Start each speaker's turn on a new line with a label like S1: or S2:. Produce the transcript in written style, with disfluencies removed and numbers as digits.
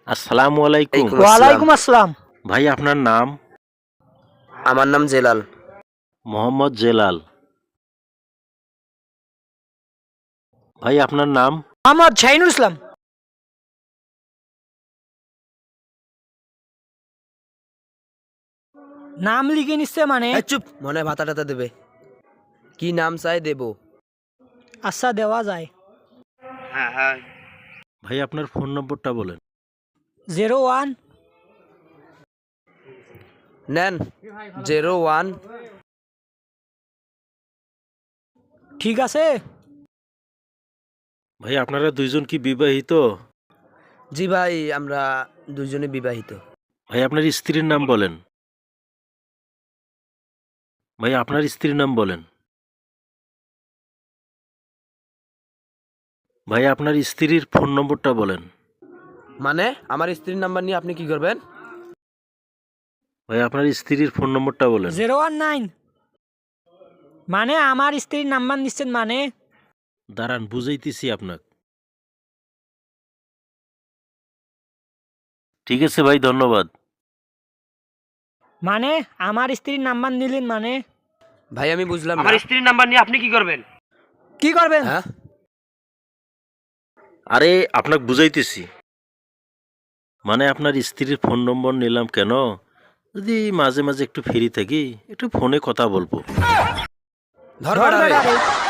S1: আসসালামু আলাইকুম।
S2: ওয়ালাইকুম আসসালাম।
S1: ভাই আপনার নাম?
S3: আমার নাম জেলাল।
S1: মোহাম্মদ জেলাল। ভাই আপনার নাম?
S2: মোহাম্মদ শাহিনুল ইসলাম। নাম লিখে নিচ্ছে মানে?
S3: চুপ, মনে হয় ভাতা টাতা দেবে। কি নাম চাই দেব?
S2: আচ্ছা, দেওয়া যায়।
S1: ভাই আপনার ফোন নম্বরটা বলেন।
S2: 01
S3: নেন 01।
S2: ঠিক আছে।
S1: ভাই আপনারা দুইজন কি বিবাহিত?
S3: জি ভাই, আমরা দুইজনে বিবাহিত।
S1: ভাই আপনার স্ত্রীর নাম বলেন। ভাই আপনার স্ত্রীর নাম বলেন। ভাই আপনার স্ত্রীর ফোন নম্বরটা বলেন।
S3: মানে আমার স্ত্রীর নাম্বার নিয়ে আপনি কি করবেন?
S1: ভাই আপনার স্ত্রীর ফোন নম্বরটা বলেন।
S2: 019 মানে আমার স্ত্রীর নাম্বার নিচ্ছেন মানে?
S1: দাঁড়ান বুঝাইতেছি আপনাকে। ঠিক আছে ভাই, ধন্যবাদ।
S2: মানে আমার স্ত্রীর নাম্বার নিলেন মানে?
S3: ভাই আমি বুঝলাম না।
S4: আমার স্ত্রীর নাম্বার নিয়ে আপনি কি করবেন?
S2: কি করবেন?
S3: হ্যাঁ,
S1: আরে আপনাকে বুঝাইতেছি। মানে আপনার স্ত্রীর ফোন নম্বর নিলাম কেন, যদি মাঝে মাঝে একটু ফ্রি থাকি একটু ফোনে কথা বলবো।
S3: ধর
S2: ধর
S3: বেটা রে।
S2: বেটা রে।